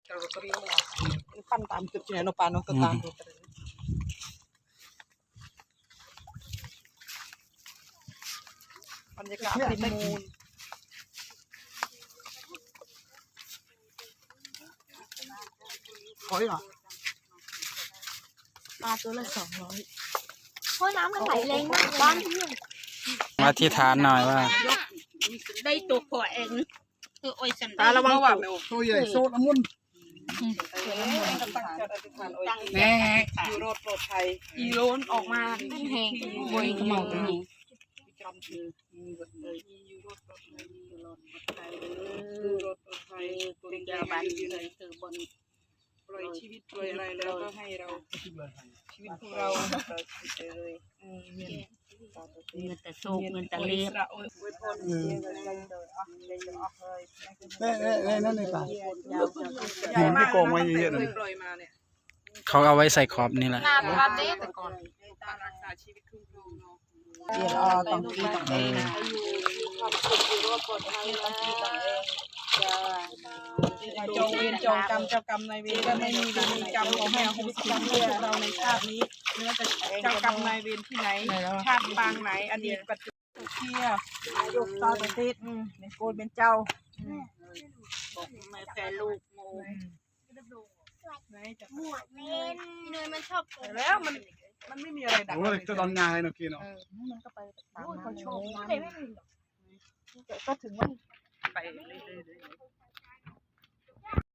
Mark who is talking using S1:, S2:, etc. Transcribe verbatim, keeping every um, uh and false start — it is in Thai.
S1: เราก็เรียกว่าปั้นตามจุดที่ไหนโนปาโนก็ตามดูไปเลยบรรยากาศริมมูลหอยเหรอ
S2: ปลาตัวละสองร้อยเพราะน้ำมันไหลแรงมากบ้านที่
S3: มาที่ฐานหน่อยว่า
S2: ได้ตัวพอเองคือโอ้ยสัน
S1: ตาระวังว่าแมวตัวใหญ่โซดละมุนแม่ยูโรปลอดภัยอีโรนออกมา
S2: แห้งบวยขมองตรงนี้
S1: จำคือยูโรปลอดภัยยูโรปลอดภัยยูโรปลอดภัยยูโรปลอดภัยตัวใหญ่บ้านอยู่ไหนคือบนปล่อยชีวิตปล่อยอะไรแล้วก็ให้เราชีวิตของเราเลยเงิน
S2: เงินแต่โชคเงินแต่เลี้ยบ
S4: เน่เน่เน่นั่นเลยป่ะหินที่โกงไว้เยอะๆเลย
S3: เขาเอาไว้ใส่ขอบนี่แหละ
S2: นาปลาเด้แต่ก่อน
S1: รักษาชีวิตคุ้มครองเนาะ
S2: เดี๋ยวอ๋อต้องกีต้องเองนะ
S1: จงเวรจงกรรมเจ้ากรรมนายเวรก็ไม่มีเวรมีกรรมของแม่ของสิกรรมเพื่อเราในชาตินี้เนื้อจะเจ้ากรรมนายเวรที่ไหนชาติปางไหนอดีตปัจจุบันเที่ยยกตาประเทศในโกนเป็นเจ้า
S2: ไม่แพ้ลูกโม
S1: ไหนจะ
S2: หมวดเล่นเนยมันชอบ
S1: แล้วมันมันไม่มีอะไรดัก
S4: โอ้ยจะตอนงานเลยเนาะพี่เนาะ
S2: มันก็ไปตามเขาโชค
S1: ก็ถึงว่าไปเรื่อยๆ